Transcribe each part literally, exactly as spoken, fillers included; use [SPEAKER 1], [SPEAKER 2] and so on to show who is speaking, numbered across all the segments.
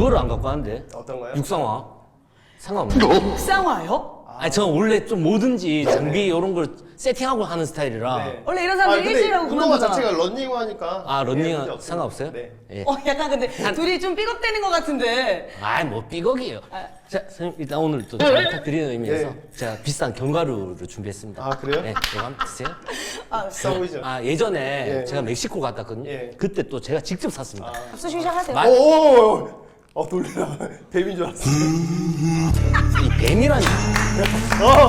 [SPEAKER 1] 그거를 안 갖고 하는데.
[SPEAKER 2] 어떤 거요?
[SPEAKER 1] 육상화. 상관없나요?
[SPEAKER 3] 육상화요?
[SPEAKER 1] 아니 저 원래 좀 뭐든지 장비 이런 걸 세팅하고 하는 스타일이라.
[SPEAKER 2] 네.
[SPEAKER 3] 원래 이런 사람들이
[SPEAKER 2] 근데
[SPEAKER 3] 일찍이라고
[SPEAKER 2] 운동화
[SPEAKER 3] 그만두잖아.
[SPEAKER 2] 자체가 런닝화 하니까.
[SPEAKER 1] 아
[SPEAKER 2] 예,
[SPEAKER 1] 런닝
[SPEAKER 2] 문제 없습니다.
[SPEAKER 1] 상관없어요?
[SPEAKER 2] 네.
[SPEAKER 1] 예.
[SPEAKER 3] 어, 약간 근데 둘이 좀 삐걱대는 것 같은데.
[SPEAKER 1] 아이 뭐 삐걱이에요.
[SPEAKER 3] 아.
[SPEAKER 1] 자 선생님 일단 오늘 또 잘 부탁드리는 의미에서
[SPEAKER 2] 네.
[SPEAKER 1] 제가 비싼 견과류를 준비했습니다.
[SPEAKER 2] 아, 그래요?
[SPEAKER 1] 네, 이거 한번 드세요.
[SPEAKER 2] 비싸 보이죠?
[SPEAKER 1] 아 예전에
[SPEAKER 2] 예.
[SPEAKER 1] 제가 멕시코 갔다 왔거든요.
[SPEAKER 2] 예.
[SPEAKER 1] 그때 또 제가 직접 샀습니다.
[SPEAKER 3] 합수 시작하세요.
[SPEAKER 1] 마-
[SPEAKER 2] 오오오. 어 놀래라. 뱀인 줄 알았어.
[SPEAKER 1] 이 뱀이라니.
[SPEAKER 2] 어.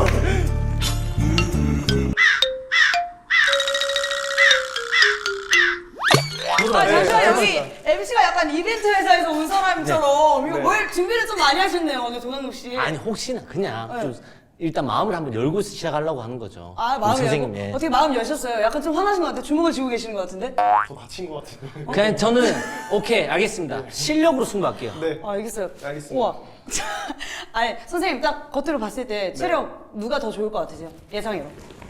[SPEAKER 3] 아,
[SPEAKER 2] 네,
[SPEAKER 3] 잠시만
[SPEAKER 2] 잘
[SPEAKER 3] 여기 엠씨가 약간 이벤트 회사에서 온 사람처럼 이거
[SPEAKER 2] 네.
[SPEAKER 3] 뭘 준비를 좀 많이 하셨네요, 오늘 도강록 씨.
[SPEAKER 1] 아니 혹시나 그냥
[SPEAKER 3] 네.
[SPEAKER 1] 좀 일단 마음을 한번 열고 시작하려고 하는 거죠.
[SPEAKER 3] 아,
[SPEAKER 1] 우리
[SPEAKER 3] 마음이
[SPEAKER 1] 선생님.
[SPEAKER 3] 열고?
[SPEAKER 1] 예.
[SPEAKER 3] 어떻게 마음 여셨어요? 약간 좀 화나신 것 같아요. 주먹을 쥐고 계시는 것 같은데?
[SPEAKER 2] 저 다친 것 같은데.
[SPEAKER 1] 그냥 저는 오케이 알겠습니다. 실력으로 승부할게요.
[SPEAKER 2] 네.
[SPEAKER 3] 아, 알겠어요.
[SPEAKER 2] 알겠습니다.
[SPEAKER 3] 우와. 아니, 선생님 딱 겉으로 봤을 때 체력 누가 더 좋을 것 같으세요? 예상으로.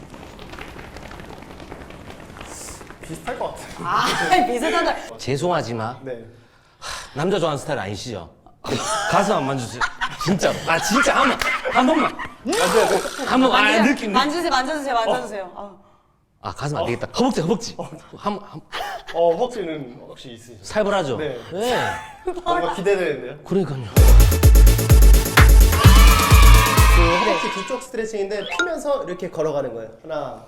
[SPEAKER 2] 비슷할 것 같아요.
[SPEAKER 3] 아, 비슷하다.
[SPEAKER 1] 죄송하지만
[SPEAKER 2] 네.
[SPEAKER 1] 남자 좋아하는 스타일 아니시죠? 가슴 안 만져주세요. 진짜로. 아 진짜 한 번, 한 번만.
[SPEAKER 2] 맞아야 돼.
[SPEAKER 1] 한 번. 아
[SPEAKER 3] 만지세요.
[SPEAKER 1] 느낌. 느낌.
[SPEAKER 3] 만져주세요, 만져주세요, 만져주세요. 아.
[SPEAKER 1] 아 가슴 안 되겠다. 허벅지 허벅지. 한, 한
[SPEAKER 2] 어 허벅지는 혹시 있으시죠?
[SPEAKER 1] 살벌하죠.
[SPEAKER 2] 네.
[SPEAKER 1] 네.
[SPEAKER 2] 뭔가 기대되는데요.
[SPEAKER 1] 그러니까요.
[SPEAKER 2] 그 허벅지 뒤쪽 스트레칭인데 피면서 이렇게 걸어가는 거예요. 하나,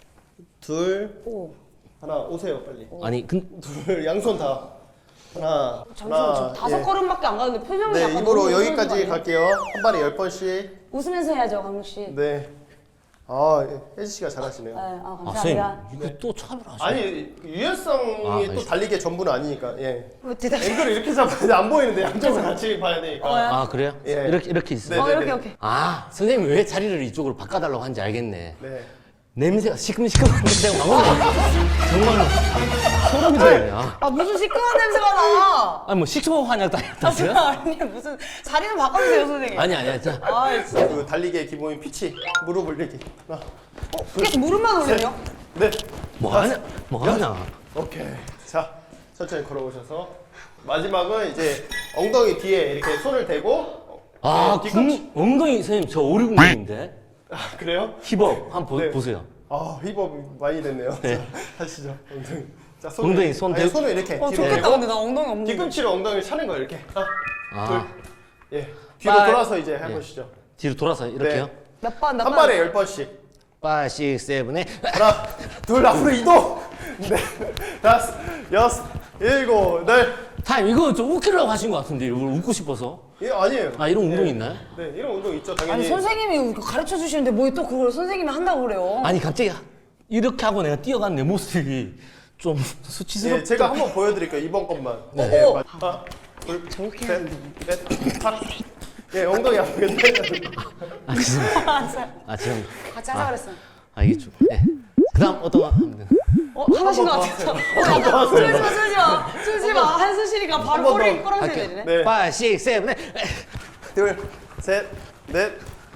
[SPEAKER 2] 둘,
[SPEAKER 3] 오.
[SPEAKER 2] 하나 오세요 빨리.
[SPEAKER 1] 아니 근
[SPEAKER 2] 둘 양손 다. 하나,
[SPEAKER 3] 잠시만, 저
[SPEAKER 2] 하나,
[SPEAKER 3] 다섯
[SPEAKER 2] 예.
[SPEAKER 3] 걸음밖에 안 가는데 표정이
[SPEAKER 2] 네,
[SPEAKER 3] 약간
[SPEAKER 2] 입으로
[SPEAKER 3] 너무
[SPEAKER 2] 여기까지
[SPEAKER 3] 웃는 거 아니에요?
[SPEAKER 2] 갈게요. 한 발에 열 번씩.
[SPEAKER 3] 웃으면서 해야죠, 강록 씨. 네.
[SPEAKER 2] 네. 아, 혜지 씨가 잘하시네요.
[SPEAKER 3] 아,
[SPEAKER 1] 아
[SPEAKER 3] 감사합니다.
[SPEAKER 1] 선생님 이거 또 차별하시네.
[SPEAKER 2] 아니, 그 유연성이
[SPEAKER 1] 아,
[SPEAKER 2] 또
[SPEAKER 1] 알겠습니다.
[SPEAKER 2] 달리기의 전부는 아니니까. 예.
[SPEAKER 3] 뭐 대답.
[SPEAKER 2] 앵글을 이렇게 잡아야 안 보이는데 양쪽을 같이 봐야 되니까.
[SPEAKER 3] 어,
[SPEAKER 1] 아 그래요?
[SPEAKER 2] 예.
[SPEAKER 1] 이렇게 이렇게 있어요.
[SPEAKER 3] 어,
[SPEAKER 2] 네,
[SPEAKER 3] 이렇게,
[SPEAKER 2] 네.
[SPEAKER 3] 이렇게.
[SPEAKER 1] 아 선생님 왜 자리를 이쪽으로 바꿔달라고 하는지 알겠네.
[SPEAKER 2] 네.
[SPEAKER 1] 냄새가 시큼시큼한 냄새가 막 올라. 정말로 소름이 돋네. 아.
[SPEAKER 3] 아, 무슨 시큼한 냄새가 나.
[SPEAKER 1] 아니 뭐 식초 한약
[SPEAKER 3] 아,
[SPEAKER 1] 다녔다고요?
[SPEAKER 3] 아니, 무슨 자리 좀 바꿔주세요, 선생님.
[SPEAKER 1] 아니 아니 자.
[SPEAKER 3] 아, 진짜.
[SPEAKER 2] 그 달리기의 기본인 피치. 무릎 올리기. 하나.
[SPEAKER 3] 어, 계속 무릎만 올려요?
[SPEAKER 2] 네.
[SPEAKER 1] 뭐 하냐? 뭐 하냐?
[SPEAKER 2] 오케이. 자, 천천히 걸어오셔서 마지막은 이제 엉덩이 뒤에 이렇게 손을 대고
[SPEAKER 1] 아,
[SPEAKER 2] 네,
[SPEAKER 1] 군, 엉덩이 선생님 저 오리궁금인데
[SPEAKER 2] 아, 그래요?
[SPEAKER 1] 힙업 한번 보,
[SPEAKER 2] 네.
[SPEAKER 1] 보세요.
[SPEAKER 2] 아, 힙업 많이 됐네요.
[SPEAKER 1] 네.
[SPEAKER 2] 자, 하시죠. 엉덩이. 자, 손을,
[SPEAKER 1] 엉덩이 손
[SPEAKER 2] 아니,
[SPEAKER 1] 대고.
[SPEAKER 2] 손을 이렇게
[SPEAKER 3] 어,
[SPEAKER 2] 뒤로
[SPEAKER 3] 좋겠다,
[SPEAKER 2] 대고
[SPEAKER 3] 근데 나 엉덩이 없는데.
[SPEAKER 2] 뒤꿈치로 엉덩이를 차는 거예요, 이렇게. 하나,
[SPEAKER 1] 아,
[SPEAKER 2] 둘. 예. 뒤로
[SPEAKER 1] 빨-
[SPEAKER 2] 돌아서 이제 해보시죠.
[SPEAKER 1] 뒤로 돌아서 이렇게요.
[SPEAKER 2] 네.
[SPEAKER 3] 몇 번, 몇
[SPEAKER 2] 한
[SPEAKER 3] 번?
[SPEAKER 2] 발에 열 번씩.
[SPEAKER 1] 파, 식, 세븐에
[SPEAKER 2] 하나, 둘, 앞으로 이동. 네, 다섯, 여섯, 일곱, 네.
[SPEAKER 1] 타임 이거 좀 웃기려고 하신 것 같은데 이걸 웃고 싶어서.
[SPEAKER 2] 예, 아니에요.
[SPEAKER 1] 아 이런 운동
[SPEAKER 2] 예.
[SPEAKER 1] 있나요?
[SPEAKER 2] 네, 이런 운동 있죠, 당연히.
[SPEAKER 3] 아니, 선생님이 가르쳐 주시는데 뭐 또 그걸 선생님이 한다고 그래요?
[SPEAKER 1] 아니 갑자기 이렇게 하고 내가 뛰어가는 내 모습이 좀 수치스럽.
[SPEAKER 2] 예, 제가 한번 보여드릴게요. 이번 것만.
[SPEAKER 1] 네.
[SPEAKER 2] 예,
[SPEAKER 3] 오.
[SPEAKER 2] 맞- 하나, 둘, 셋, 넷, 다섯. 예, 엉덩이 아프겠네.
[SPEAKER 1] 아 지금
[SPEAKER 3] 알았어요.
[SPEAKER 1] 아 지금
[SPEAKER 3] 같이 하자 그랬어.
[SPEAKER 1] 아 이게 좀. 네. 그다음 어떤 거 하면 되나?
[SPEAKER 3] 어, 하신 것 같았어. 어, 약간 쫄지 마, 쫄지 마. 쫄지 마. 한수 씨가 바로
[SPEAKER 2] 한번
[SPEAKER 3] 꼬리
[SPEAKER 2] 더.
[SPEAKER 3] 꼬랑지
[SPEAKER 1] 할게요.
[SPEAKER 3] 내리네.
[SPEAKER 2] 네,
[SPEAKER 1] 파, 식, 세븐에
[SPEAKER 2] 둘, 셋, 넷.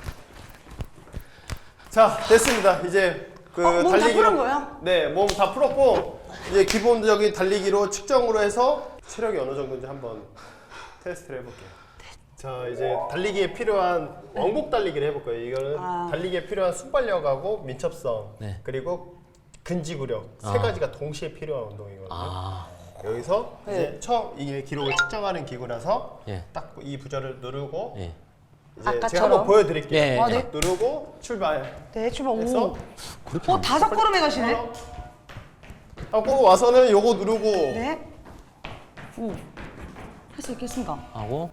[SPEAKER 2] 자, 됐습니다. 이제 그
[SPEAKER 3] 어, 몸다
[SPEAKER 2] 달리기로.
[SPEAKER 3] 풀은 거예요?
[SPEAKER 2] 네, 몸 다 풀었고 이제 기본적인 달리기로 측정으로 해서 체력이 어느 정도인지 한번 테스트를 해볼게요. 자, 이제 달리기에 필요한 왕복 달리기를 해볼 거예요. 이거는
[SPEAKER 3] 아.
[SPEAKER 2] 달리기에 필요한 순발력하고 민첩성
[SPEAKER 1] 네.
[SPEAKER 2] 그리고 근지구력 세
[SPEAKER 1] 아.
[SPEAKER 2] 가지가 동시에 필요한 운동이거든요.
[SPEAKER 1] 아,
[SPEAKER 2] 여기서
[SPEAKER 3] 네.
[SPEAKER 2] 이제 처음 이게 기록을 측정하는 기구라서
[SPEAKER 1] 예.
[SPEAKER 2] 딱 이 부절을 누르고
[SPEAKER 1] 예.
[SPEAKER 2] 이제
[SPEAKER 3] 아까처럼?
[SPEAKER 2] 제가 한번 보여드릴게요.
[SPEAKER 1] 예, 예.
[SPEAKER 3] 아, 네.
[SPEAKER 2] 딱 누르고 출발.
[SPEAKER 3] 네, 출발.
[SPEAKER 2] 해서
[SPEAKER 3] 오.
[SPEAKER 1] 그렇게.
[SPEAKER 3] 어, 다섯 걸음에 가시네?
[SPEAKER 2] 하고 와서는 요거 누르고
[SPEAKER 3] 네. 오. 할 수 있겠습니까?
[SPEAKER 1] 하고.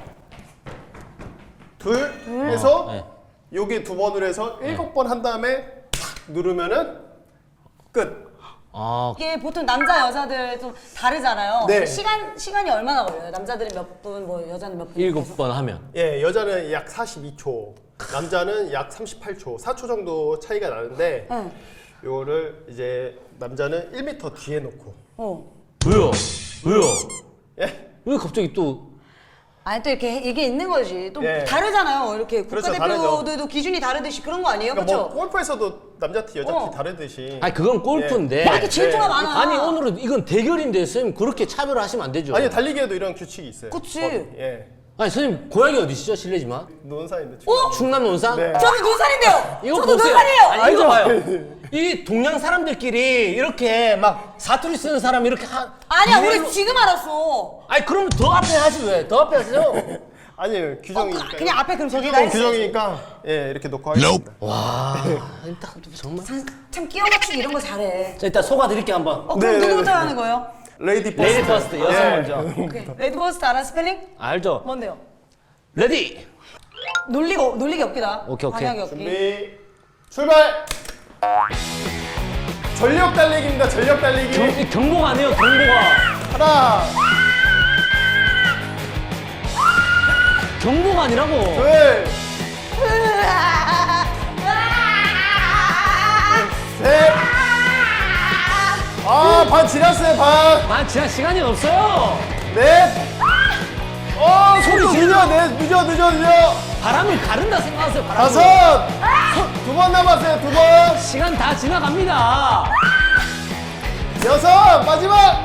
[SPEAKER 2] 둘,
[SPEAKER 3] 둘.
[SPEAKER 2] 해서
[SPEAKER 1] 네.
[SPEAKER 2] 여기 두 번으로 해서 일곱 번 한 다음에 탁 누르면은 끝.
[SPEAKER 1] 아,
[SPEAKER 3] 이게 보통 남자 여자들 좀 다르잖아요.
[SPEAKER 2] 네.
[SPEAKER 3] 시간 시간이 얼마나 걸려요? 남자들은 몇 분, 뭐 여자는 몇 분?
[SPEAKER 1] 일곱 번 하면.
[SPEAKER 2] 예, 여자는 약 사십이 초, 남자는 약 삼십팔 초, 사 초 정도 차이가 나는데
[SPEAKER 3] 응.
[SPEAKER 2] 요거를 이제 남자는 일 미터 뒤에 놓고
[SPEAKER 3] 어.
[SPEAKER 1] 왜요? 왜요?
[SPEAKER 2] 예?
[SPEAKER 1] 왜 갑자기 또
[SPEAKER 3] 아니 또 이렇게 이게 있는 거지. 또
[SPEAKER 2] 예.
[SPEAKER 3] 다르잖아요. 이렇게
[SPEAKER 2] 그렇죠,
[SPEAKER 3] 국가대표들도 기준이 다르듯이 그런 거 아니에요?
[SPEAKER 2] 그러니까
[SPEAKER 3] 그렇죠?
[SPEAKER 2] 뭐 골프에서도 남자 티 여자 티
[SPEAKER 3] 어.
[SPEAKER 2] 다르듯이
[SPEAKER 1] 아니 그건 골프인데.
[SPEAKER 3] 막 이렇게 질투가
[SPEAKER 2] 네.
[SPEAKER 3] 많아.
[SPEAKER 1] 아니 오늘은 이건 대결인데 선생님 그렇게 차별하시면 안 되죠.
[SPEAKER 2] 아니 달리기에도 이런 규칙이 있어요.
[SPEAKER 3] 그치.
[SPEAKER 2] 법, 예.
[SPEAKER 1] 아니 선생님 고향이 어디시죠? 실례지만.
[SPEAKER 2] 논산인데.
[SPEAKER 3] 어?
[SPEAKER 1] 충남 논산?
[SPEAKER 2] 네.
[SPEAKER 3] 저도 논산인데요.
[SPEAKER 1] 이거
[SPEAKER 3] 저도
[SPEAKER 1] 보세요.
[SPEAKER 3] 논산이에요.
[SPEAKER 1] 아니, 이거 봐요. 이 동양 사람들끼리 이렇게 막 사투리 쓰는 사람 이렇게 한.
[SPEAKER 3] 아니야,
[SPEAKER 1] 이래로-
[SPEAKER 3] 우리 지금 알았어.
[SPEAKER 1] 아니 그러면 더 앞에 하지 왜? 더 앞에 하세요.
[SPEAKER 2] 아니에요,
[SPEAKER 3] 어,
[SPEAKER 2] 규정이니까.
[SPEAKER 3] 그- 그냥 앞에 그럼 저기다
[SPEAKER 2] 규정,
[SPEAKER 3] 했어요.
[SPEAKER 2] 규정이니까 예 이렇게 놓고 하겠습니다.
[SPEAKER 1] 와, 딱 정말.
[SPEAKER 3] 참, 참 끼워 맞추기 이런 거 잘해.
[SPEAKER 1] 자 일단 속아 드릴게 한번.
[SPEAKER 3] 어, 그럼
[SPEAKER 2] 네, 네,
[SPEAKER 3] 누구부터
[SPEAKER 2] 네.
[SPEAKER 3] 하는 거예요?
[SPEAKER 2] 레이디 퍼스트.
[SPEAKER 1] 레이디 퍼스트 여성
[SPEAKER 2] 예.
[SPEAKER 1] 먼저.
[SPEAKER 3] 오케이. 레드 버스트 알아? 스펠링?
[SPEAKER 1] 알죠?
[SPEAKER 3] 뭔데요?
[SPEAKER 1] 레디.
[SPEAKER 3] 놀리가 놀리기 없기다.
[SPEAKER 1] 오케이, 오케이.
[SPEAKER 3] 방향이 없기.
[SPEAKER 2] 준비 출발. 전력 달리기입니다. 전력 달리기.
[SPEAKER 1] 경, 경보가 아니에요 경보가.
[SPEAKER 2] 하나,
[SPEAKER 1] 경보가 아니라고.
[SPEAKER 2] 둘, 셋. 아, 반 지났어요, 반.
[SPEAKER 1] 아 지난 시간이 없어요.
[SPEAKER 2] 넷. 어, 속도 늦어, 넷, 늦어, 늦어, 늦어.
[SPEAKER 1] 바람을 가른다 생각하세요. 바람을.
[SPEAKER 2] 다섯. 두 번 남았어요, 두 번.
[SPEAKER 1] 시간 다 지나갑니다.
[SPEAKER 2] 여섯. 마지막.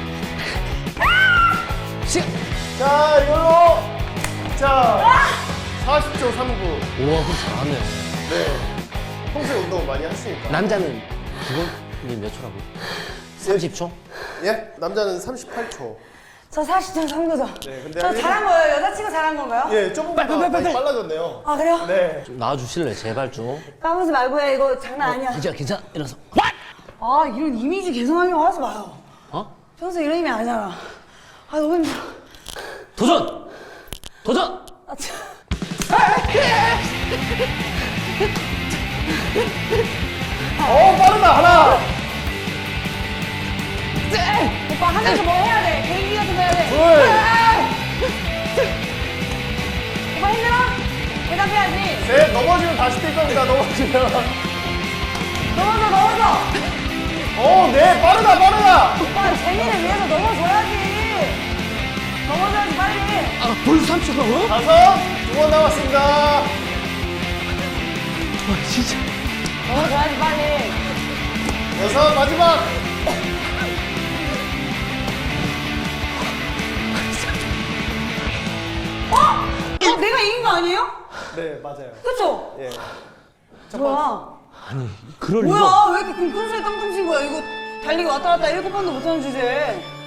[SPEAKER 1] 시간.
[SPEAKER 2] 자, 이걸로. 자, 사십 초 삼 구.
[SPEAKER 1] 우와 그거 잘하네.
[SPEAKER 2] 네. 평소에 운동 많이 하시니까.
[SPEAKER 1] 남자는 기본이 몇 초라고? 삼십 초?
[SPEAKER 2] 예? 남자는 삼십팔 초.
[SPEAKER 3] 저 사십 점 삼 구죠.
[SPEAKER 2] 네, 근데
[SPEAKER 3] 저
[SPEAKER 2] 한
[SPEAKER 3] 잘한 거예요? 여자친구 잘한 건가요?
[SPEAKER 2] 예, 조금만 더 많이 빨라졌네요.
[SPEAKER 3] 아 그래요?
[SPEAKER 2] 네.
[SPEAKER 1] 좀 나와주실래 제발 좀.
[SPEAKER 3] 까부지 말고 해. 이거 장난 아니야.
[SPEAKER 1] 괜찮아 괜찮아 이러서.
[SPEAKER 3] 아 이런 이미지 개선하려고 하지 마요.
[SPEAKER 1] 어?
[SPEAKER 3] 평소 이런 이미 아니잖아. 아 너무 힘들어.
[SPEAKER 1] 도전! 도전!
[SPEAKER 3] 아, 참.
[SPEAKER 2] 어, 빠르다, 하나.
[SPEAKER 3] 오빠 하면서 뭐 해야 돼? 개인기 같은 거 해야 돼.
[SPEAKER 2] 둘.
[SPEAKER 3] 오빠 힘들어? 대답해야지.
[SPEAKER 2] 셋, 넘어지면 다시 뛸 겁니다, 넘어지면.
[SPEAKER 3] 넘어져 넘어져.
[SPEAKER 2] 어, 네, 빠르다, 빠르다.
[SPEAKER 3] 오빠 재미를 위해서 넘어져야지. 넘어져야지 빨리.
[SPEAKER 1] 아 벌써 삼십 초라고요?
[SPEAKER 2] 다섯, 두 번 남았습니다.
[SPEAKER 1] 와 진짜.
[SPEAKER 3] 넘어져야지 빨리.
[SPEAKER 2] 여섯, 마지막.
[SPEAKER 3] 어? 어 내가 이긴 거 아니에요?
[SPEAKER 2] 네, 맞아요.
[SPEAKER 3] 그쵸?
[SPEAKER 2] 예.
[SPEAKER 3] 뭐야?
[SPEAKER 1] 아니 그럴 리가.
[SPEAKER 3] 뭐야? 왜 이렇게 끈끈살 깡통 친 거야? 이거 달리기 왔다 갔다 일곱 번도 못하는 주제에.